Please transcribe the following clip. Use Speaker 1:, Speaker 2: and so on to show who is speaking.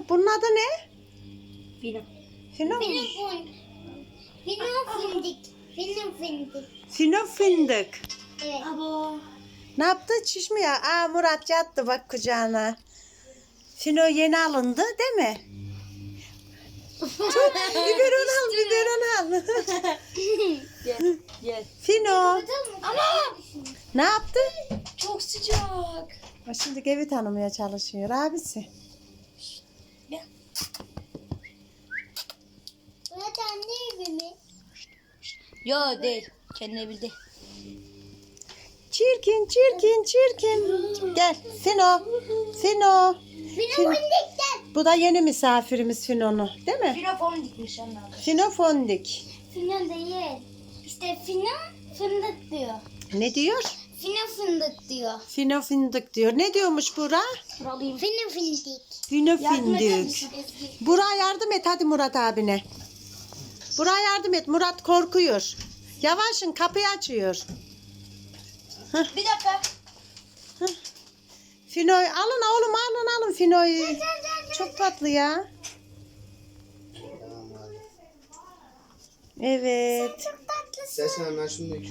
Speaker 1: Bunun adı ne?
Speaker 2: Fino.
Speaker 1: Fino.
Speaker 3: Fino fındık. Fino fındık.
Speaker 1: Fino fındık.
Speaker 3: Evet.
Speaker 2: Abo.
Speaker 1: Ne yaptı? Çiş mi ya? Aa, Murat yattı bak kucağına. Fino yeni alındı değil mi? Çok biberon al, biberon al.
Speaker 2: Gel.
Speaker 1: Fino.
Speaker 3: Ama
Speaker 1: Ne yaptı?
Speaker 2: Çok sıcak.
Speaker 1: O şimdi evi tanımaya çalışıyor abisi.
Speaker 3: Murat anne evi mi?
Speaker 2: Yo değil. Kendine bildi.
Speaker 1: Çirkin, çirkin, çirkin. Gel Fino. Fino.
Speaker 3: Fino fındıktan.
Speaker 1: Bu da yeni misafirimiz Fino'nu, değil mi?
Speaker 2: Fino fon dikmiş anne.
Speaker 1: Fino fondik.
Speaker 3: Fino değil. İşte fino fındık diyor.
Speaker 1: Ne diyor?
Speaker 3: Fino fındık diyor.
Speaker 1: Fino fındık diyor. Ne diyormuş Bura?
Speaker 2: Buralıyım.
Speaker 3: Fino fındık.
Speaker 1: Fino
Speaker 2: Yardım eder
Speaker 1: fındık.
Speaker 2: misin?
Speaker 1: Bura yardım et hadi Murat abine. Bura yardım et. Murat korkuyor. Yavaşın, kapıyı açıyor.
Speaker 2: Bir dakika.
Speaker 1: Fino'yu alın oğlum, alın Fino'yu. Çok tatlı ya. Evet.
Speaker 3: Çok tatlısın.
Speaker 4: İstersen hemen şunu